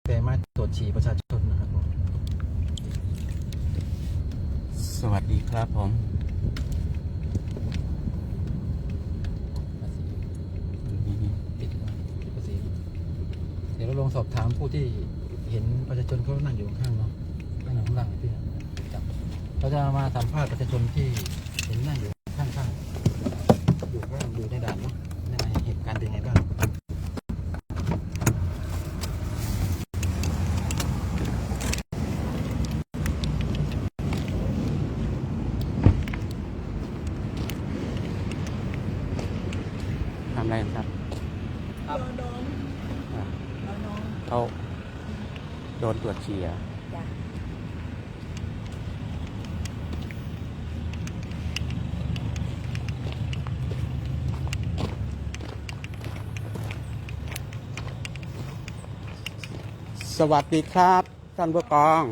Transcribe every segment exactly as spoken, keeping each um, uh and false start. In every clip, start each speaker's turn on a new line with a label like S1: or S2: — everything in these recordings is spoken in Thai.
S1: แต่มาตรวจฉี่ประชาชนนะครับผม
S2: สวัสดีครับผม
S1: ปิดปิดภาษีเดี๋ยวเราลองสอบถามผู้ที่เห็นประชาชนเขานั่งอยู่ข้างเนาะนั่งอยู่ข้างล่างพี่จับเราจะมาสัมภาษณ์ประชาชนที่เห็นนั่งอยู่ข้างๆอยู่ข้างอยู่ในด่านเนาะในเหตุการณ์เป็นไงบ้าง
S2: ทำอะไรครับเขาโดนตรวจฉี่อ่ะสวัสดีครับท่านผู้กอง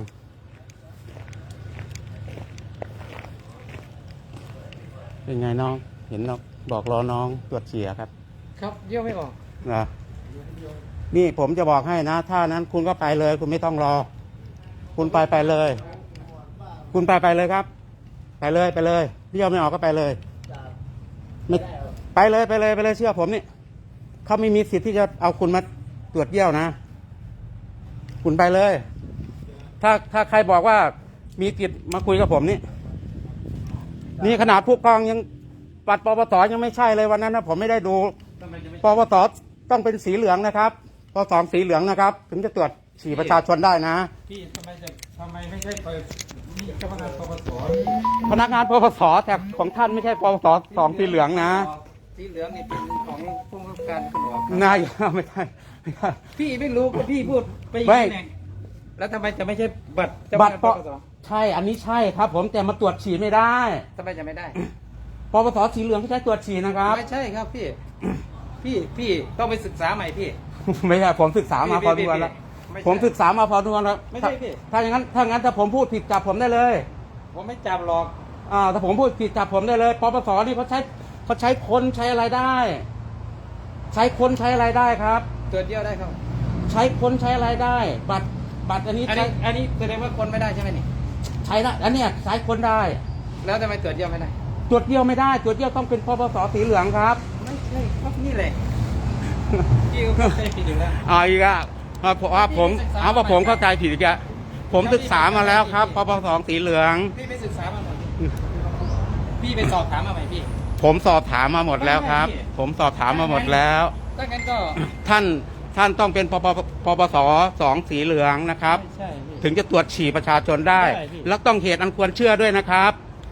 S2: เป็นไงน้องเห็นน้องบอกรอน้องตรวจฉี่ครับ
S1: ครับเยี่ยวไม่ออก
S2: นะนี่ผมจะบอกให้นะถ้านั้นคุณก็ไปเลยคุณไม่ต้องรอคุณไปไปเลยคุณไปไปเลยครับไปเลยไปเลยเยี่ยวไม่ออกก็ไปเลยไม่ไปเลยไปเลยไปเลยเชื่อผมนี่เขาไม่มีสิทธิ์ที่จะเอาคุณมาตรวจเยี่ยวนะคุณไปเลยถ้าถ้าใครบอกว่ามีสิทธิ์มาคุยกับผมนี่นี่ขนาดผู้กองยังบัตรปปสยังไม่ใช่เลยวันนั้นนะผมไม่ได้ดูปปสต้องเป็นสีเหลืองนะครับปปสสีเหลืองนะครับถึงจะตรวจฉี่ประชาชนได้นะ
S1: พี่ทำไมจะทำไมไม่ใช่ไปเจ้าพนักงานปปส
S2: พนักงานปปสแต่ของท่านไม่ใช่ปปสสองสีเหลืองนะ
S1: สีเหลืองนี่เป็นของผู้ว่าการตำรวจ
S2: นายไม่ใช่
S1: พี่ไม่รู้ก็พี่พูดไปอย่างนี้ไงแล้วทำไมจะไม่ใช่บัตรเจ้าพนักงานปปส
S2: ใช่อันนี้ใช่ครับผมแต่มาตรวจฉี่ไม่ได้
S1: ทำไมจะไม่ได้
S2: ปปสสีเหลืองที่ใช้ตรวจฉี่นะครับ
S1: ไม่ใช่ครับพี่พี่พี่ต้องไปศึกษาใหม่พี่
S2: ไม่ใช่ผมศึกษามาพอดูแล้วผมศึกษามาพอดูแล้ว
S1: ไม่ใช่พี่
S2: ถ้าอย่างนั้นถ้างั้นถ้าผมพูดผิดจับผมได้เลย
S1: ผมไม่จับหรอก
S2: อ่าถ้าผมพูดผิดจับผมได้เลยปปสนี่เขาใช้เขาใช้คนใช้อะไรได้ ใช้คนใช้อะไรได้ครับ
S1: ตรวจเยี่ยวได้ครับ
S2: ใช้คนใช้อะไรได้ บัตรบัตรอันนี้
S1: อันนี้อันนี้แสดงว่าคนไม่ได้ใช่ไหมนี่
S2: ใช้ได้อันนี้ใช้คนได้
S1: แล้วทำไมตรวจเยี่ยวไม่ได้
S2: ตรวจเยี่ยวไม่ได้ตรวจเยี่ยวต้องเป็นปปสสีเหลืองครับ
S1: ไม่ใช่ครับนี่แหละพี่ก็เข้าใจผิดอยู่แล้ว
S2: อ๋ออีกอ่ะเพราะว่าผมเอาว่าผมเข้าใจผิดอีกอ่ะผมศึกษามาแล้วครับปปสสีเหลือง
S1: พี่ไปศึกษามาหมดพี่ไปสอบถามมาไหมพี่
S2: ผมสอบถามมาหมดแล้วครับผมสอบถามมาหมดแล้ว
S1: ถ้างั้นก็
S2: ท่านท่านต้องเป็นปปปปสสองสีเหลืองนะครับถึงจะตรวจฉี่ประชาชนได้แล้วต้องเหตุอันควรเชื่อด้วยนะครับ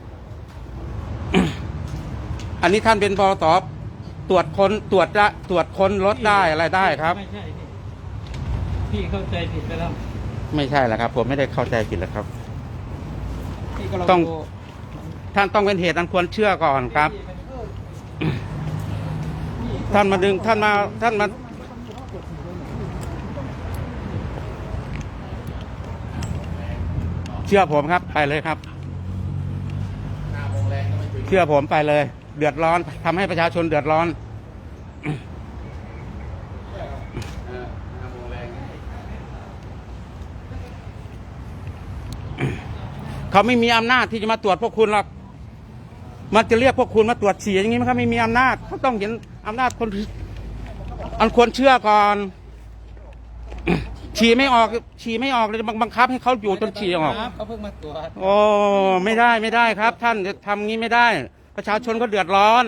S2: อันนี้ท่านเป็นปปสตรวจคนตรวจจะตรวจคนรถได้อะไรได้ครับ
S1: ไม่ใช่พี่เข้าใจผิดไปแล้ว
S2: ไม่ใช่แหละครับผมไม่ได้เข้าใจผิดแล้วครับต้องท่านต้องเป็นเหตุอันควรเชื่อก่อนครับท่านมาดึงท่านมาท่านมาเชื่อผมครับไปเลยครับเชื่อผมไปเลยเดือดร้อนทำให้ประชาชนเดือดร้อนเขาไม่มีอำนาจที่จะมาตรวจพวกคุณหรอกมันจะเรียกพวกคุณมาตรวจฉี่อย่างนี้มันเขาไม่มีอำนาจเขาต้องเห็นอำนาจคนอันควรเชื่อก่อนฉี่ไม่ออกฉี่ไม่ออกเลยบังคับให้เขาอยู่จนฉี่ออก
S1: เขาเพิ่งมาตรวจ
S2: โอ้ไม่ได้ไม่ได้ครับท่านจะทำงี้ไม่ได้ประชาชนก็เดือดร้อน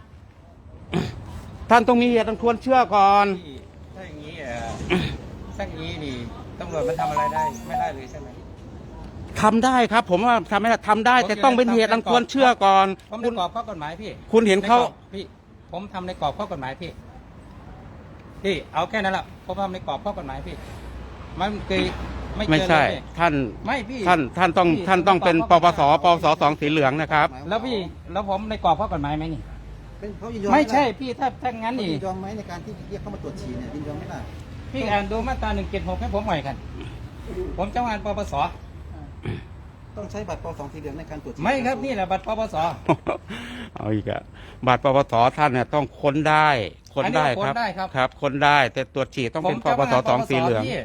S2: ท่านต้องมีเหตุอันควรเชื่อก่อน
S1: ถ้าอย่างนี้อ่ะถ้าอย่างนี้นี่ตำรวจมันทำอะไรได้ไม่ได้เลยใช่ไหม
S2: ทำได้ครับผมว่าทำไม่ได้ทำได้แต่ต้องเป็นเหตุอันควรเชื่อก่อน
S1: ผมในกรอบข้อกฎหมายพี่
S2: คุณเห็นเขา
S1: พี่ผมทำในกรอบข้อกฎหมายพี่พี่เอาแค่นั้นแหละผมทำในกรอบข้อกฎหมายพี่มันเคย
S2: ไม่ไม่ใช่ท่าน
S1: ไม่พี่
S2: ท่านท่านต้องท่านต้องเป็นปปสปปสสองสีเหลืองนะครับ
S1: แล้วพี่แล้วผมในกรอบข้อกฎหมายไหมนี่ไม่ใช่พี่ถ้าถ้างั้นนี่
S3: ยินยอมไหมในการที่เรียกเข้ามาตรวจฉี่เนี่ยยินยอมไหมล่ะ
S1: พี่อ่านดูมาตราหนึ่งเจ็ดหกให้ผมหน่อยกันผมเจ้างานปปส
S3: ต้องใช้บัตรปปสสีเหลืองในการตรวจ
S1: ไม่ครับนี่แหละบัตรปปส
S2: เอาอีกอะบัตรปปสท่านเนี่ยต้องค้นได้ค้นได้ครับครับค้นได้แต่ตรวจฉี่ต้องเป็นปปสสองสีเหลือง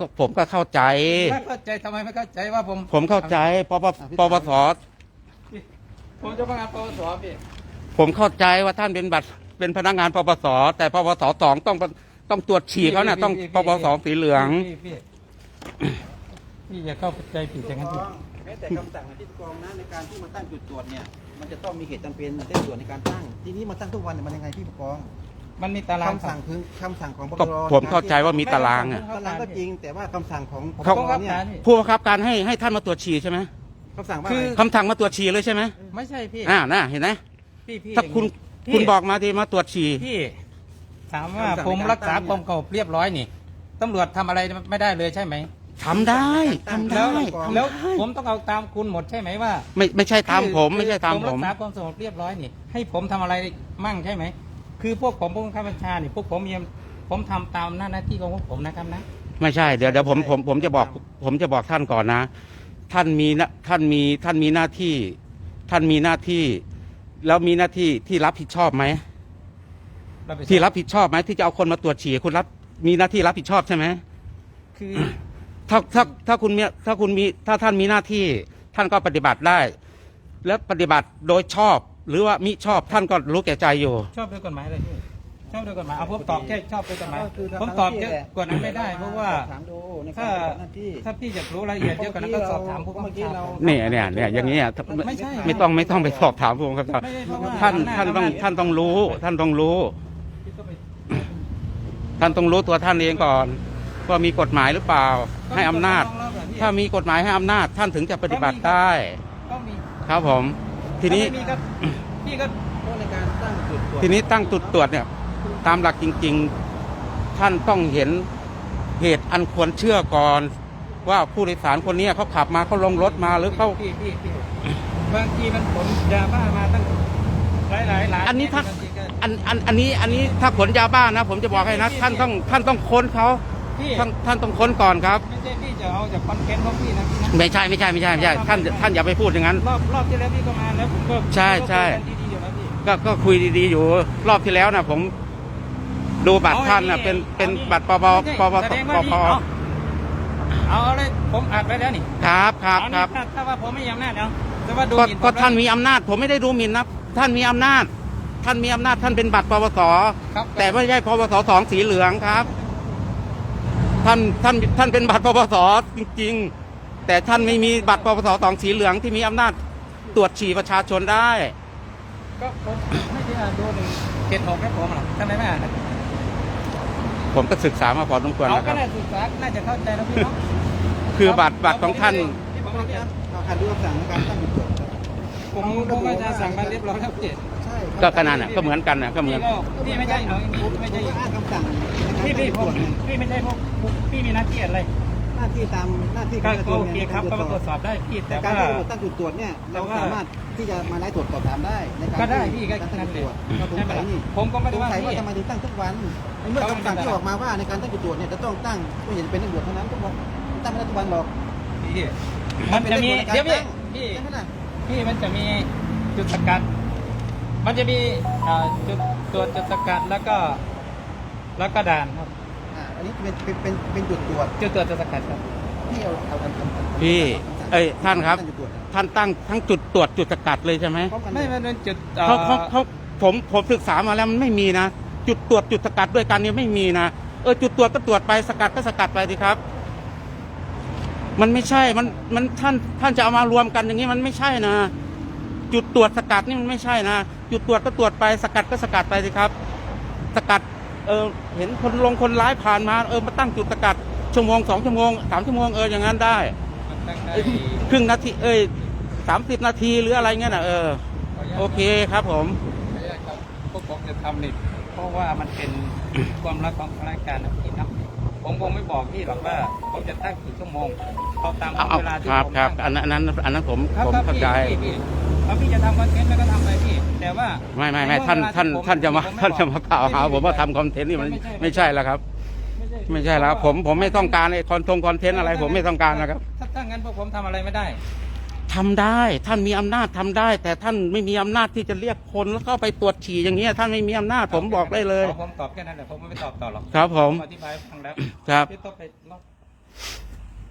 S2: ก็ผมก็เข้าใจ
S1: ไม่เข้าใจทำไมไม่เข้าใจว่าผม
S2: ผมเข้าใจปปปปส
S1: ผมจะพนักงานปปสพี่
S2: ผมเข้าใจว่าท่านเป็นบัตรเป็นพนักงานปปสแต่ปปสสองต้องต้องตรวจฉี่เขาน่ะต้องปปสสีเหลือง
S1: พี่พี่พี่อย่าเข้าใจผิดอย่างนั้นพี่
S3: แม้แต่คำสั่งที่ผู้กองนะในการที่มาตั้งจุดตรวจเนี่ยมันจะต้องมีเหตุจำเป็นเร่งด่วนในการตั้งทีนี้มาตั้งทุกวันเนี่ยมันยังไงพี่ผู้กอง
S1: มันมีตาราง
S3: คำสั่งคือคำสั่งของป
S2: ก็
S3: ปร
S2: ผมเข้าใจว่ามีตารางอ่ะ
S3: ตารางก็จริงแต่ว่าคำสั่งของปป
S2: เขา
S3: รเนี่ย
S2: ผู้บังคับการให้ให้ท่านมาตรวจฉี่ใช่ไหม
S3: คำสั่งว่า
S1: คือ
S3: อะไร
S2: คำสั่งมาตรวจฉี่เลยใช่ไหม
S1: ไม่ใช่พี่
S2: อ่าน่ะเห็นไหม
S1: พี่พี่
S2: ถ้าคุณ
S1: พี่
S2: คุณบอกมาดีมาตรวจฉี่
S1: พี่ถามว่าผมรักษาความสงบเรียบร้อยนี่ตำรวจทำอะไรไม่ได้เลยใช่ไหม
S2: ทำได้ทำ
S1: แล้
S2: ได้
S1: ว
S2: ทำ
S1: แล้ว
S2: ได้
S1: ผมต้องเอาตามคุณหมดใช่ไหมว่า
S2: ไม่ไม่ใช่ตามผม
S1: คือ
S2: ไม่ใช่ตาม
S1: ผม
S2: ผ
S1: รั
S2: ม
S1: กษาความสงบเรียบร้อยนี่ให้ผมทำอะไรมั่งใช่ไหมคือพวกผมผู้บังคับบัญชานี่พวกผมยังผมทำตามหน้าที่ของพวกผมนะครับนะ
S2: ไม่ใช่เดี๋ยวเดี๋ยวผมผมผมจะบอกผมจะบอกท่านก่อนนะ ท่านมีนะท่านมีท่านมีหน้าที่ ท่านมีหน้าที่ แล้วมีหน้าที่ที่รับผิดชอบไหมที่รับผิดชอบไหมที่จะเอาคนมาตรวจฉี่คุณรับมีหน้าที่รับผิดชอบใช่ไหม
S1: คือ
S2: ถ้าถ้าถ้าคุณมีถ้าคุณมีถ้าท่านมีหน้าที่ ท่านก็ปฏิบัติได้ และปฏิบัติโดยชอบ หรือว่ามิชอบท่านก็รู้แก่ใจอยู่
S1: ชอบด้วยกฎหมายอะไรพี่ชอบด้วยกฎหมายเอาผมตอบแค่ชอบด้วยกฎหมาย
S3: ก็คือทำ
S1: ผมตอบเยอะกว่านั้นไม่ได้ เพราะว่า
S3: ถามดูในกา
S1: ถ้าร
S3: ปฏิบัติหน้าที่
S1: ถ้าพี่อยากรู้รายละเอียดเยอะกว่านั้นก็สอบถามผู้บังคับบัญชา
S2: เนี่ยเนี่ยเนี่ยอย่างนี้ยไม่
S1: ไม่ใช่
S2: ไม่ต้องไม่ต้องไปสอบถามผมครับ
S1: ไม่ใช่เพราะว่า
S2: ท่าน
S1: อำจ
S2: ท่านต้อง
S1: อำจ
S2: ท่านต้องรู้ ท่านต้องรู้
S1: พี่ก็ไป
S2: ท่านต้องรู้ตัวท่านเองก่อนว่ามีกฎหมายหรือเปล่า ให้อำนาจ ถ้ามีกฎหมายให้อำนาจ ท่านถึงจะปฏิบัติได้
S1: ก็มี
S2: ครับผม ทีนี้
S1: ถ้าไม่มีก็พี่ก็
S3: เพราะในการตั้งจุดตรวจ
S2: ทีนี้ตั้งจุดตรวจเนี่ย ตามหลักจริง ๆ ท่านต้องเห็นเหตุอันควรเชื่อก่อน ว่าผู้โดยสารคนนี้เขาขับมาเขาลงรถมาหรือเขา
S1: พี่พี่พี่บางทีมันขนยาบ้ามาตั้งหลายหลายหลาย
S2: อันนี้ถ้า
S1: บงทีก็
S2: อันอันอันนี้อันนี้ถ้าขนยาบ้านะ ผมจะบอกให้นะ ท่านต้องท่านต้องค้นเขา
S1: พี่
S2: ท่านท่านต้องค้นก่อนครับ
S1: ไม่ใช่พี่จะเอาจากคอนเทนต์ของพี่นะพี่นะ
S2: ไม่ใช่ไม่ใช่ไม่ใช่ไม่ใช่ท่านท่านอย่าไปพูดอย่างนั้น
S1: รอบรอบที่แล้วพี่ก็มาแล้วผมก็
S2: ใช่ใช่
S1: ก็คุยกันดีๆอยู่แล้วพี่
S2: ก็ก็คุยดีๆอยู่ รอบที่แล้วนะผมดูบัตรท่านนะ
S1: เอาไอ้
S2: เป็นเป็น
S1: เอานี่
S2: บัตรปป
S1: ไม่ใช่
S2: ปป
S1: แสดง
S2: ป
S1: ว่า
S2: ป
S1: นี่เอาเอาเอาเลยผมอัดไว้แล้วนี่
S2: ครับครับ
S1: เอา
S2: ค
S1: นี่
S2: รับ
S1: ถ้าถ้าว่าผมไม่มีอำนาจเอาแต่ว่าดู
S2: ก็
S1: หมิ่นผม
S2: ก็ท่าน
S1: แล้ว
S2: มีอำนาจ ผมไม่ได้ดูหมิ่นนะท่านมีอำนาจ ท่านมีอำนาจท่านเป็นบัตรปปส
S1: ครับ
S2: แต่ไม่ใช่ปปสสองสีเหลืองครับ ท่านท่านท่านเป็นบัตรปปสจริงๆ แต่ท่านไม่มีบัตรปปสสองสีเหลืองที่มีอำนาจตรวจฉี่ประชาชนได้
S1: ก็ผมไม่ได้อ่านดูหนึ่งเจ็ดหกให้ผมหรอกทำไมไม่อ่าน
S2: ผมก็ศึกษามาพอสมควร
S1: เอา
S2: นะค
S1: ก็
S2: รับ
S1: น่าศึกษาน่าจะเข้าใจนะพี่เนาะ
S2: คือบัตรบัตรของท่าน
S1: ที่ผมไม่ได้
S3: เอาคันดูคำสั่งในการตั้งจุดตรวจ
S1: ผมผมก็จะสั่งมาเรียบร้อยแล้วพี่
S3: ใช่
S2: ก็ขนาดน่ะก็เหมือนกันน่ะก็เหมือน
S1: พี่ก็พี่ไม่ใช่เอาอย่างนี้ไม่ใช่
S3: ผมก็อ้างคำสั่งใน
S1: พี่
S3: การ
S1: พี่
S3: ตั้งจุดตรวจเนี่ย
S1: ผมพี่ไม่ใช่พวกพี่มีหน้าที่อะไร
S3: หน้าที่ตามหน้าที่
S1: ก็
S3: การกระทรวง
S1: โอเค
S3: นี่ย
S1: ครับก็มาตรวจส
S3: ส
S1: อ
S3: อ
S1: บบ ได้พี่แต่
S3: แต่การ
S1: ว่า
S3: ที่เราตั้งจุดตรวจเนี่ย
S1: แต่
S3: เรา
S1: ว่า
S3: สามารถที่จะมาไล่ตรวจสอบถามได้ในการ
S1: ก็ได้
S3: ที่
S1: พี่ก็
S3: การตั้ง
S1: นั่น
S3: จุด
S1: แห
S3: ตร
S1: ละ
S3: วจเราสงสัยนี่
S1: ผมก็ไม่
S3: ส
S1: ได้
S3: ง
S1: ว่า
S3: สัยว่า
S1: พี่
S3: ทำไมถึงตั้งทุกวันในเมื่อคำสั่งที่ออกมาว่าในการตั้งจุดตรวจเนี่ยจะต้องตั้งไม่เห็นเป็นตำรวจเท่านั้นทุกวันตั้งไม่ได้ทุกวันหรอก
S1: พี่มันจะมีเดี๋ยวพี่พี่
S3: ใช่ไหมล่ะ
S1: พี่มันจะมีจุดสกัด มันจะมีอ่าจุดตรวจจุดสกัดแล้วก็ แล้วก็ด่านครับ
S3: อ่าอันนี้เป็นเป็นเป็นเป็นจุดตรวจ
S1: จุดตรวจจุดสกัดครับ
S3: ที่เอาเอาเอาเอาเอา
S2: พี่ เอ้ยท่านครับ
S3: ตั้งจุดตรวจ
S2: ท่านตั้งทั้งจุดตรวจจุดสกัดเลยใช่ไหม
S3: พร้อมกัน
S1: ไม่
S3: เลย
S1: มันเป็นจุดอ่อ
S2: เขาเขาเขาผมผมศึกษามาแล้วมันไม่มีนะ จุดตรวจจุดสกัดด้วยกันเนี่ยไม่มีนะเออจุดตรวจก็ตรวจไปสกัดก็สกัดไปสิครับ มันไม่ใช่มันมันท่านท่านจะเอามารวมกันอย่างนี้มันไม่ใช่นะจุดตรวจสกัดนี่มันไม่ใช่นะจุดตรวจก็ตรวจไปสกัดก็สกัดไปสิครับ สกัดเออเห็นคนลงคนร้ายผ่านมาเออมาตั้งจุดสกัดชั่วโมงสองชั่วโมงสามชั่วโมงเอออย่างนั้นได้
S1: มันตั้งได้
S2: ครึ่งนาทีเอ้ยสามสิบนาทีหรืออะไรเงี้ยนะเออโอเคครับผม
S1: ไม่ได้ครับพวกผมจะทำนี่เพราะว่ามันเป็นความรักของข้าราชการนะพี่นะผมคงไม่บอกพี่หรอกว่าผมจะตั้งกี่ชั่วโมงเอาตาม
S2: เอาเอา
S1: เวลาที่
S2: ครับ
S1: ผม
S2: ครับ
S1: ตั้ง
S2: อันนั้นอันนั้นอันนั้นผม
S1: ครับ
S2: ผม
S1: ครับ
S2: เข้า
S1: พี่
S2: ใจ
S1: พี่พี่เอาพี่จะทำคอนเทนต์แล้วก็ทำไปพี่ แต่ว่า
S2: ไม่ไม่ไม่
S1: ใ
S2: ท่าน
S1: เวล
S2: ท่าน
S1: ที่ผม
S2: ท่านจะมา
S1: ผไ
S2: ท่านจะมา
S1: บอก
S2: กล่าวหา
S1: พี่
S2: ผมว่าทำคอนเทนต์นี่มัน
S1: ไม่ใช่
S2: ไม่ใช่แล้วครับ
S1: ไม่ใช่
S2: ไม่ใช่แล้วผมผมไม่ต้องการไอ้คอนทงคอนเทนต์อะไร ผมไม่ต้องการนะครับ
S1: ถ้าถ้างั้นพวกผมทำอะไรไม่ได้
S2: ทำได้ท่านมีอำนาจทำได้ แต่ท่านไม่มีอำนาจที่จะเรียกคนแล้วเข้าไปตรวจฉี่อย่างเงี้ยท่านไม่มีอำนาจผมบอกได้เลย
S1: อาผมตอบแค่นั้นแหละผมไม่ตอบต่อหรอก
S2: ครับผม
S1: อธิบายให้ฟังแล้ว
S2: ครับ
S1: พี่ต้องไปรอบ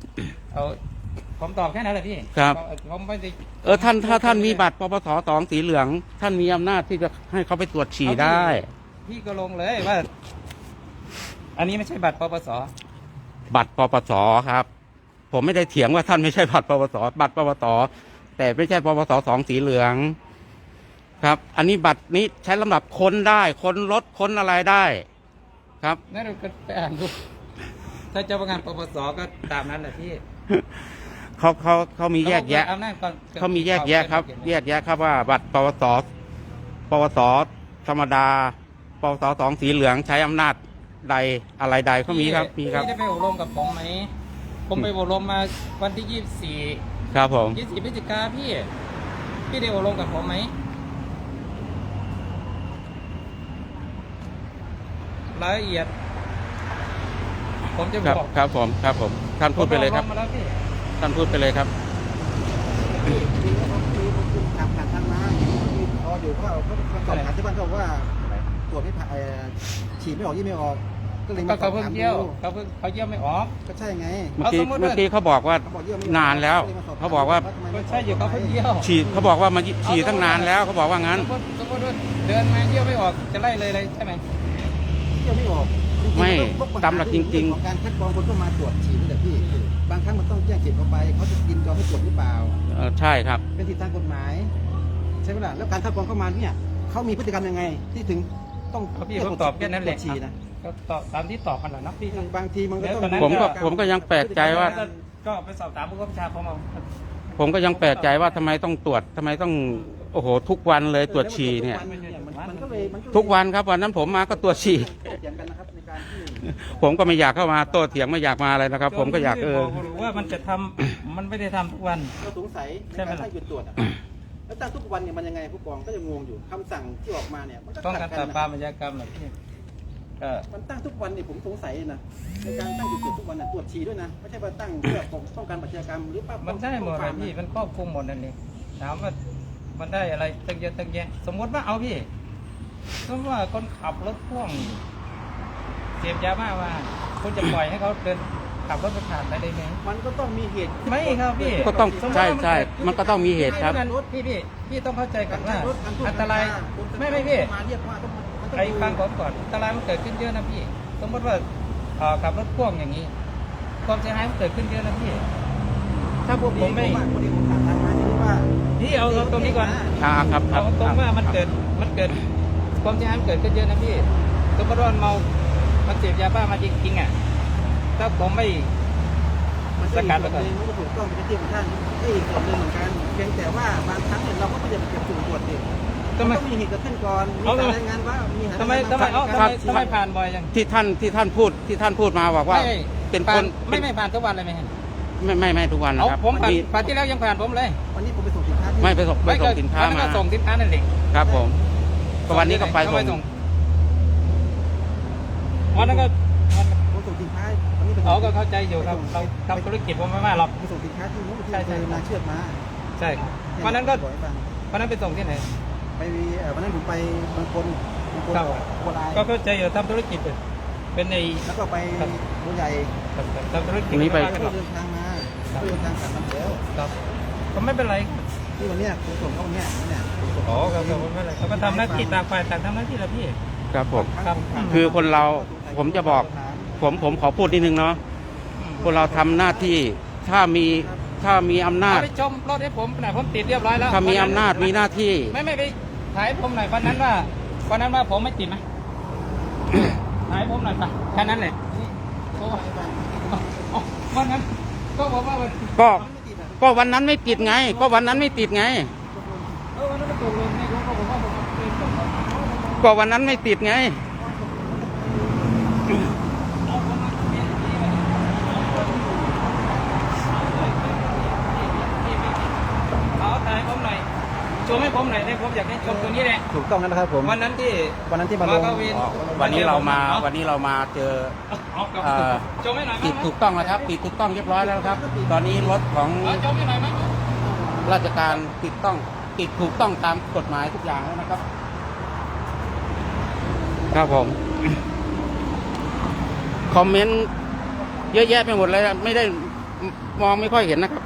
S4: เอาผมตอบแค่นั้นแหละพี่
S2: ครับ
S4: ผมไม่ได้
S2: เออท่านถ้าท่านมีบัตรปปสสองสีเหลือง ท่านมีอำนาจที่จะให้เขาไปตรวจฉี่ได้
S4: พี่ก็ลงเลยว่า อันนี้ไม่ใช่บัตรปปส
S2: บัตรปปสครับ ผมไม่ได้เถียงว่าท่านไม่ใช่บัตรปปสบัตรปปสแต่ไม่ใช่ปปสสองสีเหลือง ครับ อันนี้บัตรนี้ใช้สำหรับค้นได้ค้นรถค้นอะไรได้ ครับ
S4: นั่นเราก็ไปอ่านดูถ้าเจ้าพนักงานปปสก็ตามนั้นแหละพี่
S2: เขาเขาเขามีแยกแยะ
S4: อำนาจก่อน
S2: เขามีแยกแยะครับ แยกแยะครับว่าบัตรปวสปวสธรรมดาปวสสองสีเหลืองใช้อำนาจใดอะไรใดเขามีครับมีครับ
S4: พี่ได้ไปอบรมกับผมไหมผมไปอบรมมาวันที่ยี่สิบสี่
S2: ครับผม
S4: ยี่สิบพฤศจิกาพี่ พี่ได้อบรมกับผมไหมรายละเอียด ผมจะ
S2: ครับ
S4: บอก
S2: ครับผมครับผมท่านพูดไปเลยครับ
S4: ผมอบมมาแล้วพี่
S2: ท่านพูดไปเลยครับ
S3: มีเขามีคุณขับผ่านทางมามีรออยู่เขาเขาเขาสอบถามที่บ้านเขาบอกว่าตรวจไม่ผ่านเอ่อฉีดไม่ออกยี่ไม่ออก ก็เลย
S4: ก็
S3: มาสอ
S4: เขา
S3: บ
S4: เพิ่ง
S3: ถาม
S4: เยี่ยว
S3: ดู
S4: เขาเพิ่งเขาเยี่ยวไม่ออก
S3: ก็ใช่ไง
S2: เมื่อกี้
S4: เอาสมมุติว่า
S2: เมื่อกี้เขาบอกว่า
S3: เขาบอกเยี่ยวไม่ออก
S2: นานแล้ว
S3: ก็ยมสบถม
S2: เขาบอกว่า
S3: ทำไม
S4: ก็
S3: ไม่
S4: ใช่อยู่เขาเพิ่งเยี่ยว
S2: ฉีดเขาบอกว่ามาฉีดตั้งนานแล้วเขาบอกว่างั้น
S4: สมมติสมมติว่าเดินมาเยี่ยวไม่ออกจะไล่เลยเลยใช่ไหม
S3: เยี่ยวไม่ออกจริงๆ
S2: ไม่
S3: นต้อง
S2: ตามหลักจริงๆ
S3: ของการคัดกรองคนเข้ามาตรวจฉีดนี่แหละพี่บางครั้งมันต้องแจ้งเขตเข้าไปเขาจะยินยอมให้ตรวจหรือเปล่า
S2: เออใช่ครับ
S3: เป็นสิทธิทางกฎหมายใช่ไหมล่ะแล้วการคัดกรองเข้ามาเนี่ยเขามีพฤติกรรมยังไง ที่ถึงต้อง
S4: เอาพี่ผมตอบแค่นั้นแหละ
S3: ตรวจฉี่นะ
S4: ก็ตอบตามที่ตอบกันแหละนะพี่
S3: บางทีมันก็ต้อง
S4: เดี๋ยวก่อนนะ
S2: ผมก็ผมก็ยังแปลกใจว่า
S4: ก็ไปสอบถามผู้กำกับชาผมเอา
S2: ผมก็ยังแปลกใจว่าทำไมต้องตรวจทำไมต้องโอ้โหทุกวันเลยตรวจฉี่เนี่ย
S3: มันมันก็เลยมันก็เลย
S2: ทุกวันครับวันนั้นผมมาก็ตรวจฉี่
S3: โต้เถียงกันนะครับในการที่
S2: ผมก็ไม่อยากเข้ามาโต้เถียงไม่อยากมาอะไรนะครับ ผมก็อยากเออ
S4: หรือว่ามันจะทำ มันไม่ได้ทำทุกวัน
S3: เราสงสัยใน
S4: ใช่ไหม
S3: การ
S4: ล่ะ
S3: ตั้งจุดตรวจอะแล้วตั้งทุกวันเนี่ยมันยังไงผู้กองก็ยังงงอยู่คำสั่งที่ออกมาเนี่ยมันก็
S4: ต้อง
S3: ขั
S4: กา
S3: ด
S4: ร
S3: กั
S4: ปราบ
S3: น
S4: ปราม
S3: นะ
S4: อาชญากรรมเหรอพี่ก็
S3: มันตั้งทุกวันเนี่ยผมสงสัยนะในการตั้งจุดตรวจทุกวันน่ะตรวจฉี่ด้วยนะไม่ใช่ว่าตั้งเพื่อป้องกันอาชญากรรมหรือป้า
S4: มันได้หมดเลยพี่มันครอบคลุมหมดนั่นเองถามว่ามันได้อะไรตั้งเยอะตั้งแยะสมมติว่าเอาพี่สมมติว่าคนขับรถพ่วงเสพยาบ้ามาคุณจะปล่อยให้เขาเดินขับรถไปผ่านไปได้ไหม
S3: มันก็ต้องมีเหตุ
S4: ไม่ครับพี่
S2: ก็ต้องใช่ใช่มันก็ต้องมีเหตุครับ
S4: ไม่งั้นพี่พี่พี่ต้องเข้าใจก่อนว่า
S3: รถการทุก
S4: อันตราย
S3: คน
S4: ไม่ไม่พี่
S3: มาเรียกว่าต้องมันต้อง
S4: ไอ้ฟังผมก่อนอันตรายมันเกิดขึ้นเยอะนะพี่ สมมติว่าเอ่อขับรถพ่วงอย่างนี้ ความเสียหายมันเกิดขึ้นเยอะนะพี่ ถ้าพวกผมไม่
S3: ว่าคนที่ผมถามทางมาที่ว่า
S4: พี่เอาเอาตรงนี้ก่อน
S2: อ่าครับครั
S4: เอา
S2: บ
S4: ตรงว่ามันเกิดมันเกิดความเสียหายมันเกิดขึ้นเยอะนะพี่ สมมติว่ามันเมา มันเสพยาบ้ามาจริงๆอ่ะ ถ้าผมไม่
S3: มันก็อีกส่วนหนึ่งมันก็ถูกต้องเป็นที่ของท่านไอ้อีกส่วนหนึ่งเหมือนกันเพียงแต่ว่าบางครั้งเนี่ยเราก็ไม่ได้เก็บสุ่มตรวจดิ
S4: ทำไม
S3: ต้องมีเหตุเกิดขึ้นก่อนมี
S4: เอา
S3: การ
S4: ทำไม
S3: รายงานว่ามีเหตุ
S4: ทำไมทำไมเอาทำไมทำไมผ่านบ่อยจัง
S2: ที่ท่านที่ท่านพูดที่ท่านพูดมาบอกว่า
S4: ไม่
S2: เป็น
S4: ผ่า
S2: คน
S4: ไม่ไม่ผ่านทุกวันเลยไหมฮะ
S2: ไม่ไม่ไม่ทุกวันนะ
S4: เอา
S2: ครับ
S4: ผมผ่าน
S2: มี
S4: ผ่านที่แล้วยังผ่านผมเลย
S3: วันนี้ผมไปส่งสินค้าที่
S2: ไม่ไปส่งไปส่งสินค้า
S4: วัน
S2: มา
S4: ก็ส่งสินค้านั่นเอง
S2: ครับผมก็วันนี้ก็ไป
S4: ก็
S2: ส่ง
S4: วันนั้นก็วัน
S3: ผมส่งสินค้าวันนี้ไปส่ง
S4: เขาก็เข้าใจอยู่ครับเราทำธุรกิจผมไม่ว่าหรอก
S3: ไปส่งสินค้าที่นู้นที่
S4: ใช่ใช่
S3: เคยมาเชือกมา
S4: ใช่ครับวันนั้นก็
S3: บอกให้ฟัง
S4: วันนั้นไปส่งที่ไหน
S3: ไปเอ่อวันนั้นผมไปบางคนบางคน
S4: ครับ
S3: โคราช
S4: ก็เข้าใจอยู่ทำธุรกิจอยู่เป็นใน
S3: แล้วก็ไปบัวใหญ่
S4: ทำธุรกิจ
S2: วันนี้ไป
S4: ม่ว่ากั
S3: ก็
S4: หรอก
S3: เดินทางมาก็เดินทางกลับมาแล้ว
S4: ครับก็ไม่เป็นไร
S3: ที่วันเนี้ยผมส่งเขาวันเนี้ยเนี่ยผมส่ง
S4: อ๋อครับครับไม่เป็นไรเขาก็ทำหน้าที่ต่างฝ่ายต่างทำหน้าที่แหละพี่
S2: ครับผม
S4: ครับ
S2: คือคนเราผมจะบอก ผมผมขอพูดนิดนึงเนาะคนเราทำหน้าที่ถ้ามีถ้ามีอำนา
S4: เอา
S2: จ
S4: ไปชมรถให้ผมหน่อยผมติดเรียบร้อยแล้ว
S2: ถ้ามีอำนาจมีหน้าที่
S4: ไม่ไม่ไปถ่ายผมหน่อยวันนั้นว่าวันนั้นว่าผมไม่ติดไหมถ่ายผมหน่อยไปแค่นั้นเลยโอ้อ๋อวันนั้นก็บอกว่าวัน
S2: ก็ก็วันนั้นไม่ติดไง ก็วันนั้นไม่ติดไง
S4: เออวันนั้นก็ตกลงนี่เขาก็บอกว่าผมเป็นคนขับ
S2: ก็วันนั้นไม่ติดไง
S4: เอาถ่ายผมหน่อยชมให้ผมหน่อยให้ผมอยากให้ชมตัวนี้แหละ
S3: ถูกต้องนะครับผม
S4: วันนั้นที่
S3: วันนั้นที่มาลง
S4: เข้าเวร
S2: วันนี้เรามาวันนี้เรามาเจอ
S4: เอาครับ
S2: เอ่อ
S4: ชมให้หน่อยไหม
S2: ติดถูกต้องแล้วครับติดถูกต้องเรียบร้อยแล้วครับ ตอนนี้รถของ
S4: เอาชมให้หน่อยไหม
S2: ราชการติดต้องติดถูกต้องตามกฎหมายทุกอย่างแล้วนะครับ ครับผม คอมเมนต์เยอะแยะไปหมดเลยไม่ได้มองไม่ค่อยเห็นนะครับ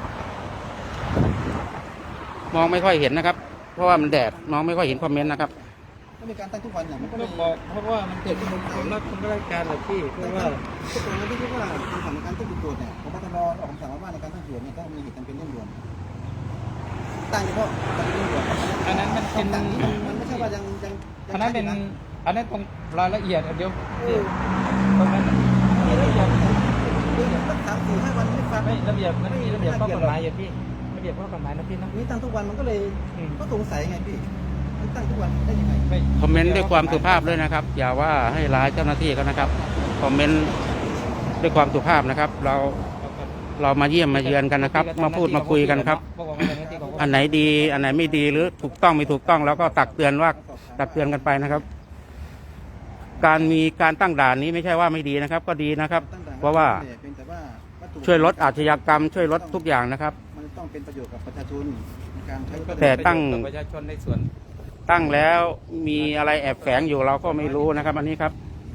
S2: มองไม่ค่อยเห็นนะครับ เพราะว่ามันแดดมองไม่ค่อยเห็นคอมเมนต์นะครับ
S3: ถ้ามีการตั้งทุกวันเนี่ยมันก็
S4: ก็
S3: เลย
S4: บอกเพราะว่ามันเกิดเป็นคนรักคนราชการแหละพี่เพราะว่า
S3: ทุกคนที่คิดว่าคำสั่งในการตั้งจุดตรวจเนี่ยผมตรออกคำสั่งว่าในการตั้งจุดเนี่ยต้องมีเหตุจำเป็นเร่งด่วนตั้งเฉพาะจำเป็นเร่งด่วน
S4: อันนั้นมันเป็น
S3: คำสั่งนี้มันไม่ใช่ว่ายังยัง
S4: อันนั้นเป็นอันนั้นตรงรายละเอียดเดี๋ยวตรงนั้นมีระเบียบ
S3: ตั้งสามสี่ห้าวันไม่ฟัง
S4: ไม่ระเบียบมันมีระเบียบข้อกฎหมายอย่างพี่ระเบียบข้อกฎหมายนะพี่นะ
S3: นี่ตั้งทุกวันมันก็เลย
S4: อืม
S3: ก็สงสัยไงพี่ตั้งทุกวันได้ยังไง
S4: ไม่
S2: คอมเมนต์ด้วยความสุภาพด้วยนะครับ อย่าว่าให้ร้ายเจ้าหน้าที่เขานะครับ คอมเมนต์ด้วยความสุภาพนะครับ เราเรามาเยี่ยมมาเยือนกันนะครับ มาพูดมาคุยกันครับ อันไหนดี อันไหนไม่ดีหรือถูกต้องไม่ถูกต้องแล้วก็ตักเตือนว่าตักเตือนกันไปนะครับ การมีการตั้งด่านนี้ไม่ใช่ว่าไม่ดีนะครับ ก็ดีนะครับ เพราะว่าช่วยลดอาชญากรรม ช่วยลดทุกอย่างนะครับ
S3: มันต้องเป็นประโยชน์กับประชาชนในการใช้
S2: แต่ตั้ง
S4: ประชาชนในส่วน
S2: ตั้งแล้วมีอะไรแอบแฝงอยู่เราก็ไม่รู้นะครับ อันนี้ครับ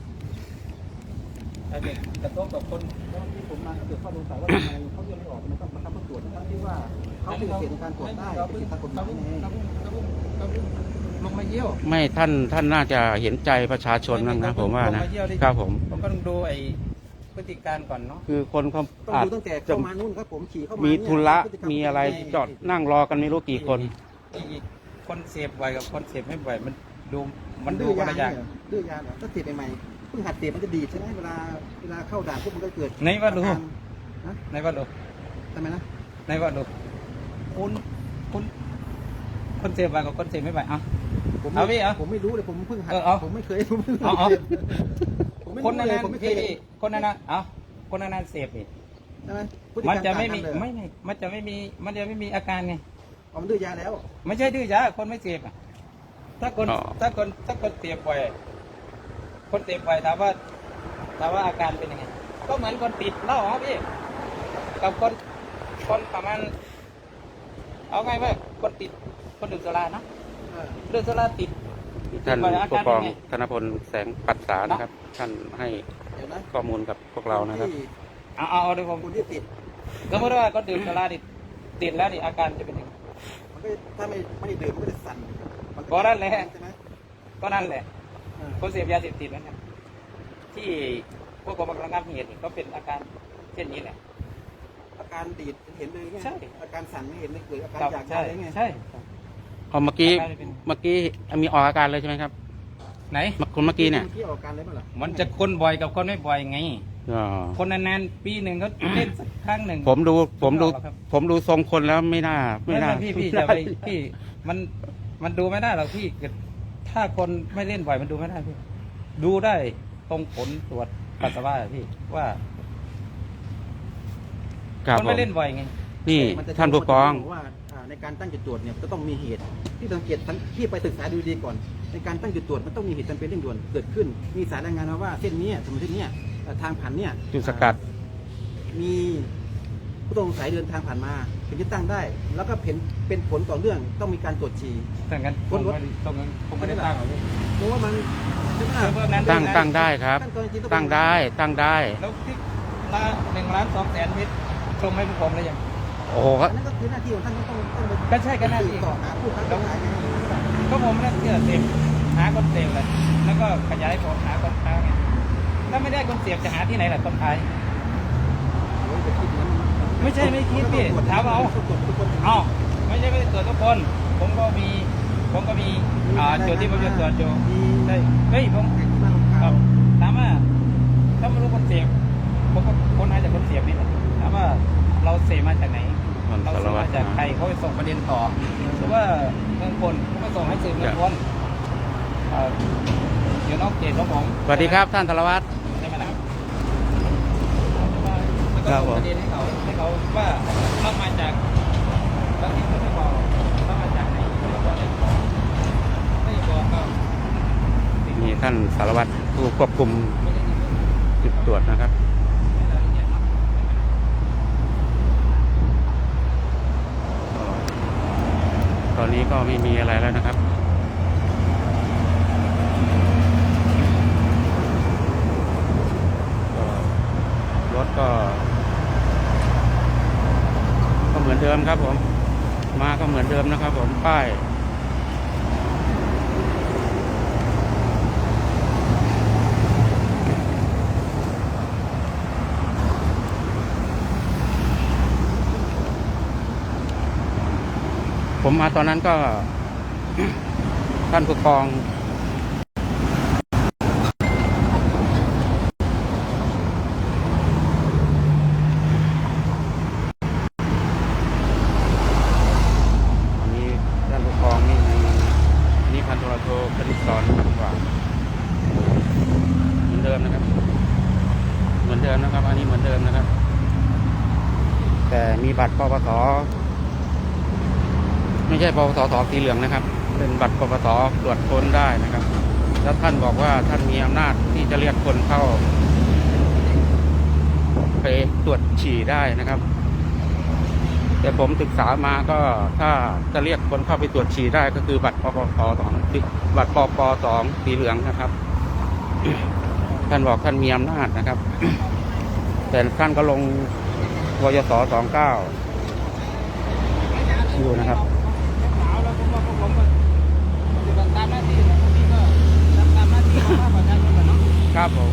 S4: อันนี้กระทบกับคน
S3: แล้วที่ผมมาก็เกิดข้อสงสัยว่าทำไมเขายังไม่ออกมันต้องบังคับตรวจทั้งที่ว่าเขาเป็นเขตในการตรวจได้เป็นทางกฎหมายไง
S4: ลงมาเยี่ยว
S2: ไม่ท่านท่านน่าจะเห็นใจประชาชนนะนะผมว่านะครับผม
S4: ผมก็ต้องดูไอ้พฤติการก่อนเนาะ
S2: คือคนเขา
S3: ต้อง
S2: อาจ
S3: ดูตั้งแต่
S2: จะ
S3: เข้ามานู่นครับผมขี่เข้ามา
S2: มี
S3: มี
S2: ธุระมีอะไรจอดนั่งรอกันไม่รู้กี่คน
S4: อีกคนเสพบ่อยกับคนเสพไม่บ่อยมันดูมันดู
S3: ดื้อ
S4: คน
S3: ยา
S4: ละอย่าง
S3: เนี่ยดื้อยาเหรอถ้าเสพใหม่ๆเพิ่งหัดเสพมันจะดีดใช่ไหมเวลาเวลาเข้าด่านปุ๊บมันก็เกิด
S4: ในว่าดู
S3: อาการฮะ
S4: ในว่าดู
S3: ทำไมนะ
S4: ในว่าดูคุณคุณคนเสพบ่อยกับคนเสพไม่บ่อยอ่ะ
S3: ผม
S4: เอาพี่เอา
S3: ผมไม่รู้เลยผมเพิ่งหัด
S4: เออเอา
S3: ผมไม่เคยผมเพิ่ง
S4: เอาเอา
S3: เสพผมไม่
S4: คน
S3: รู้
S4: นั้น
S3: เลยผมไม่เคย
S4: พี่คนนั้นเอ้าคนนั้นเสพนี่
S3: ใช่ไหมพฤติกร
S4: มัน
S3: ร
S4: จะไม่มี
S3: ต่างกันเลย
S4: ไม่ไม่มันจะไม่มีมันจะไม่มีอาการไง
S3: อ๋อมันดื้อยาแล้ว
S4: ไม่ใช่ดื้อยาคนไม่เสพอ่ะถ้าคน
S2: อ๋อ
S4: ถ้าคนถ้าคนเสพบ่อยคนเสพบ่อยถามว่าถามว่าอาการเป็นยังไงก็เหมือนคนติดเหล้าครับพี่กับคนคนประมาณเอาไงว่าคนติดคนดื่มสุราเนาะ
S3: เออ
S4: ดื่มสุราติด
S2: ท่าน
S4: ติดบ่อยอา
S2: ผู้
S4: การ
S2: ก
S4: เป็
S2: อน ง
S4: ไง
S2: ธนพลแสงปัสสานะครับ ท่านให้
S3: เดี๋ยวนะ
S2: ข้อมูลกับพวกเรานะครับ
S3: ที่
S4: เอาเอาเอาเดี๋ยวผม
S3: คนที่ติด
S4: สมมติว่าคนดื่มสุราติดติดแล้วนี่อาการจะเป็นยังไง
S3: มันก็ถ้าไม่ไม่ได้ดื่มมันก็จะสั่นมั
S4: ก็นั่นแหละ
S3: ใช่ไหม
S4: ก็นั่นแหละ
S3: เออ
S4: คนเสพยาเสพติดนะครับที่พวกกรมระงับเหตุนี่ก็เป็นอาการเช่นนี้แหละ
S3: อาการดีดเห็นเลยไง
S4: ใช่
S3: อาการสั่นไม่เห็นเลยเกิดอาการ
S4: ครับ
S3: อยาก
S4: ใช่
S3: ได้ไง
S4: ใช่
S2: เอาเมื่อกี้
S4: อาการเป็น
S2: เมื่อกี้มีออกอาการเลยใช่ไหมครับ
S4: ไหน
S2: คนเมื่อกี้เนี่ย
S3: ที่ออกอาการเลยมั้ยล่ะ
S4: มันจะคนบ่อยกับคนไม่บ่อยไง
S2: อ๋อ
S4: คนนานๆปีหนึ่งเขาเล่นสักครั้งหนึ่ง
S2: ผมดูผมดู
S4: ไม่ออกหรอกครับ ผม
S2: ผมดูทรงคนแล้วไม่น่าไม่
S4: ไม่
S2: น่า
S4: ไม่พี่พี่จะไปพี่มันมันดูไม่ได้หรอกพี่ถ้าคนไม่เล่นบ่อยมันดูไม่ได้พี่ดูได้ตรงผลตรวจปัสสาวะอะพี่ว่า
S2: ครับ
S4: คน
S2: ผ
S4: ไม่
S2: ม
S4: เล่นบ่อยไง
S2: นี่
S3: มัจะ
S2: ท่านผู้กอง
S3: ว่าอ่าในการตั้งจุดตรวจเนี่ยจะต้องมีเหตุที่สังเกตที่ไปศึกษาดูดีก่อน ในการตั้งจุดตรวจมันต้องมีเหตุจำเป็นเร่งด่วนเกิดขึ้น มีสารรายงานมาว่าเส้นนี้สมมติเส้นเนี้ยเอ่อทางผ่านเนี่ย
S2: จุดสกัด
S3: มีผู้ต้องสงสัยเดินทางผ่านมาถึงจะตั้งได้ แล้วก็เป็นเป็นผลต่อเรื่องต้องมีการตรวจฉี่
S4: แต่งั้นผ
S3: คน
S4: ม
S3: รถ
S4: ไม่ได้ตรงนั้นผมไม่ได้ตั้งหรอกพี่
S3: เพราะว่ามันใช่ไหมล่ะ
S4: เพิ่มนั้น
S2: ตั้ง
S4: ด้วยนะ
S2: ตั้งได้ครับ
S3: ขั้นตอนจริงๆ
S2: ตั้งได้ตั้งได้
S4: แล้วที่ละหนึ่งล้านสองแสนมิตรชมให้พวกผมเลยยัง
S2: โอ้โห
S3: อันนั้นก็คือหน้าที่ของท่านต้องต้องต้องไป
S4: ก็ใช่ก็หน้าที่
S3: ต่อหาผู้ค้าขายไง
S4: ก็ผมนั่นเชื่อเสพหาคนเสพเลยแล้วก็ขยายผลหาคนค้าไงถ้าไม่ได้คนเสพจะหาที่ไหนล่ะคนขาย
S3: โอ้ยจะคิดอย่างนั้น
S4: ไม่ใช่ไม่คิดพี่ถามเอา
S3: ตรวจทุกคน
S4: เอ้าไม่ใช่ไม่ได้ตรวจทุกคน ผมก็มีผมก็มีอ่าจุดที่ผมจะตรวจอยู่ใช่เฮ้ยผม
S3: ที่บ้านของ
S4: ค
S3: เขา
S4: รับถามว่าถ้าไม่รู้คนเสพผมก็คนหาจากคนเสพนี่แหละถามว่าเราเสพมาจากไหน
S2: มัน
S4: เรา
S2: สาร
S4: ส่ง
S2: วัต
S4: มาร จากใครเขาไปส่งประเด็นต่อหรือว่าเมืองคนเขาไปส่งให้สื่อมวลชนเอ่อเดี๋ยวนอกเขตของผม
S2: สวัสดีครับท่านธนวัฒน์
S4: ใช่ไหมนะครับแล้วก็
S2: ครับ
S4: ส่ง
S2: ผม
S4: ประเด็นให้เขาให้เขาว่าเรามาจากบางทีเขาไม่บอกเรามาจากไหนเราบอกเลยไม่บอกก็
S2: มีท่านสารวัตรผู้ควบคุม
S4: ไม่ได้ยินไม่
S2: จุดตรวจนะครับ
S4: ได้รายละเอียดเนาะ
S2: ตอนนี้ก็ไม่มีอะไรแล้วนะครับก็รถก็เดิมครับผม มาก็เหมือนเดิมนะครับผมป้ายผมมาตอนนั้นก็ ท่านผู้กองอันนี้ท่านผู้กองนี่อันนี้พันโทโทคณิตสอนกว่าเหมือนเดิมนะครับ เหมือนเดิมนะครับ อันนี้เหมือนเดิมนะครับ แต่มีบัตรปปสไม่ใช่ปปสสสีเหลืองนะครับ เป็นบัตรปปสตรวจค้นได้นะครับ แล้วท่านบอกว่าท่านมีอำนาจที่จะเรียกคนเข้าไปตรวจฉี่ได้นะครับ แต่ผมศึกษามาก็ถ้าจะเรียกคนเข้าไปตรวจฉี่ได้ก็คือบัตรปปสสองบัตรปปสองสีเหลืองนะครับ ท่านบอกท่านมีอำนาจนะครับ แต่ท่านก็ลงวยสสองเก้าอยู่นะครับ
S4: แล้วผมว่าพวกผมก็ปฏิบัติตามหน้าที่นะบางทีก็ทำตามหน้าที่ของประชาชนเนาะ
S2: ครับผม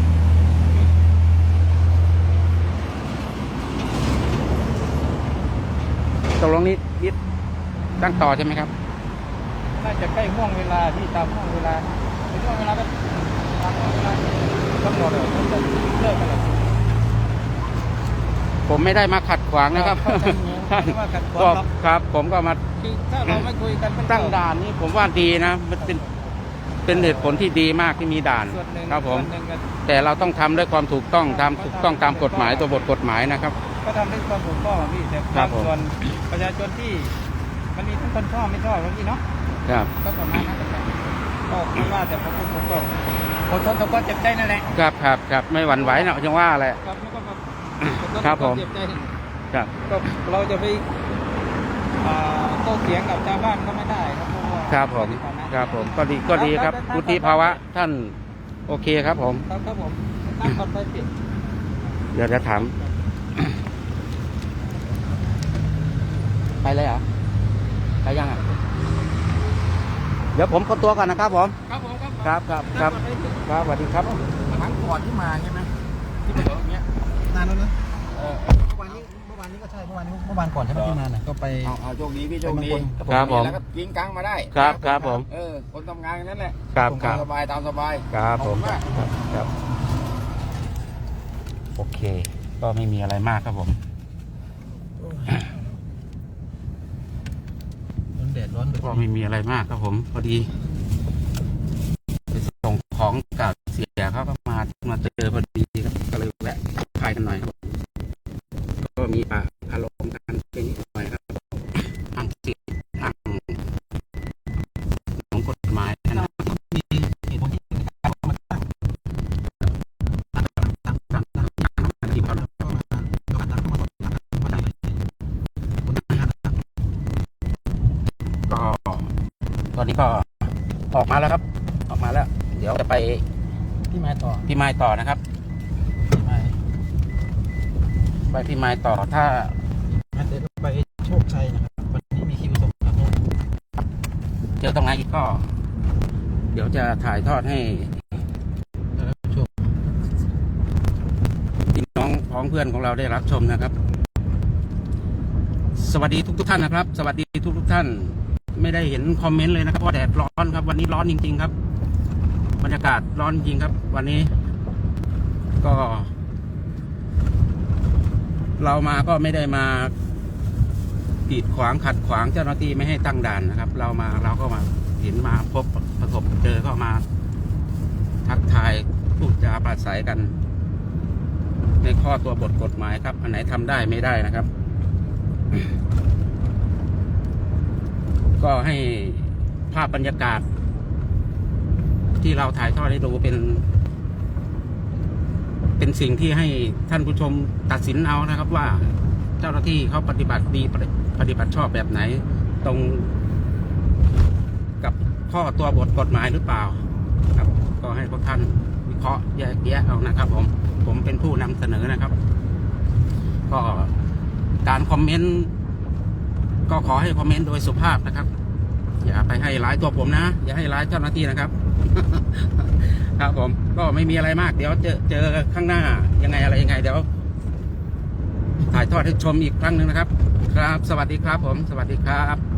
S2: ตกลงนี้ยึดตั้งต่อใช่ไหมครับ
S4: น่าจะใกล้ห่วงเวลาที่ตามห่วงเวลาในห่วงเวลาก็ตามห่วงเวลากำหนดเลยมันจะเลิกกันแล้ว
S2: ผมไม่ได้มาขัดขวางนะครับ
S4: ครับไม่ว่าขัดขวาง
S2: ก็
S4: หรอก
S2: ครับ ผมก็มา
S4: คือถ้าเราไม่คุยกันมันก็
S2: ตั้งด่านนี่ผมว่าดีนะ มันเป็นเป็นเหตุผลที่ดีมากที่มีด่าน
S4: ส่วนหนึ่ง
S2: ครับผม
S4: ส่วนหนึ่งก็
S2: แต่เราต้องทำด้วยความถูกต้องตามถูกต้องตามกฎหมายตัวบทกฎหมายนะครับ
S4: ก็ทำด้วยความถูกต้องอะพี่แต่
S2: ครับผม
S4: ส่วนประชาชนที่มันมีทั้งคนชอบไม่ชอบพี่เนาะ
S2: ครับ
S4: ก็ประมาณนั้นแหละครับก็ไม่ว่าแต่ผมผมก็อดทนต่อความเจ็บใจนั่นแหละ
S2: ครับครับครับไม่หวั่นไหวนะจังว่าแหละ
S4: ครับแล้วก็แบบอดทน
S2: ครั
S4: ต่
S2: บ
S4: อค
S2: ผ
S4: วาม
S2: ม
S4: เจ็บใจ
S2: ครับ
S4: ก็เราจะไปอ่าโต้เถียงกับชาวบ้านก็ไม่ได้ครับเพราะว่า
S2: ครับผมครับผมก็ดีก็ดีครับวุฒิภาวะท่านโอเคครับผม
S4: ครับครับผมตั้งก่อนไปปิด
S2: เดี๋ยวจะถามไปเลยเหรอไปยังอ่ะเดี๋ยวผมคนตัวก่อนนะครับผม
S4: ครับผมครับ
S2: ครับครับครับครับสวัสดีครับ
S3: ครั้งก่อนที่มาใช่ไหมที่เป็นอย่างเงี้ยนานแล้วนะเออเมื่อวานนี้เมื่อวานนี้ก็ใช่เมื่อวานนี้เมื่อวานก่อนใช่ไหมที่มาน่ะก็ไป
S5: เอาเอาโชคดีพี่โชคดี
S2: ครับผม
S5: แล้วก็กินกลางมาได้
S2: ครับครับผม
S5: เออ คนทำงานกันนั่นแหละ
S2: ครับครับ
S5: ตามสบายตามสบาย
S2: ครับผม
S5: ขอบคุณมาก
S2: ครับครับโอเค ก็ไม่มีอะไรมากครับผม
S1: ร้อนแดดร้อนแบบ
S2: ก็ไม่มีอะไรมากครับผมพอดีไปส่งของกับเสียเขาก็มามาเจอพอดีครับก็เลยแวะพายกันหน่อยครับก็มีปะอารมณ์กันเป็นนิดหน่อยครับทางสิทธิ์ทางของกฎหมายนะ
S1: มีเหตุผลที่การมาตั้งตั้งตั้งตั้งตั้งที่เขาแล้วก็มาก็มาตั้งเข้ามาสอบถามมาได้เลยคนที่ห้านะครับ
S2: ก็ตอนนี้ก็ออกมาแล้วครับ ออกมาแล้ว เดี๋ยวจะไป
S1: พี่ไม้ต่อ
S2: พี่ไม้ต่อนะครับ
S1: พี่ไม้
S2: ไปพี่ไม้ต่อถ้า
S1: งั้นเดี๋ยวเราไปโชคชัยนะครับวันนี้มีคิวส่งครับ
S2: เจอตรงไหนอีกก็ เดี๋ยวจะถ่ายทอดให้
S1: แล้วโชค
S2: พี่น้องพ้องเพื่อนของเราได้รับชมนะครับ สวัสดีทุกทุกๆท่านนะครับ สวัสดีทุกทุกๆท่าน ไม่ได้เห็นคอมเมนต์เลยนะครับเพราะแดดร้อนครับ วันนี้ร้อนจริงๆครับ บรรยากาศร้อนจริงครับ วันนี้ ก็ เรามาก็ไม่ได้มากีดขวางขัดขวางเจ้าหน้าที่ไม่ให้ตั้งด่านนะครับ เรามาเราก็มาเห็นมาพบประสบเจอก็มา ทักทายพูดจาปราศัยกัน ในข้อตัวบทกฎหมายครับ อันไหนทำได้ไม่ได้นะครับ ก็ให้ภาพบรรยากาศ ที่เราถ่ายทอดให้ดูเป็น เป็นสิ่งที่ให้ท่านผู้ชมตัดสินเอานะครับ ว่าเจ้าหน้าที่เขาปฏิบัติดีปฏิบัติชอบแบบไหน ตรงกับข้อตัวบทกฎหมายหรือเปล่าครับ ก็ให้พวกท่านวิเคราะห์แยกแยะเอานะครับ ผมผมเป็นผู้นำเสนอนะครับ ก็การคอมเมนต์ก็ขอให้คอมเมนต์โดยสุภาพนะครับ อย่าไปให้ร้ายตัวผมนะ อย่าให้ร้ายเจ้าหน้าที่นะครับ ครับผมก็ไม่มีอะไรมาก เดี๋ยวเจอเจอข้างหน้ายังไงอะไรยังไงเดี๋ยวถ่ายทอดให้ชมอีกครั้งหนึ่งนะครับ ครับสวัสดีครับผมสวัสดีครับ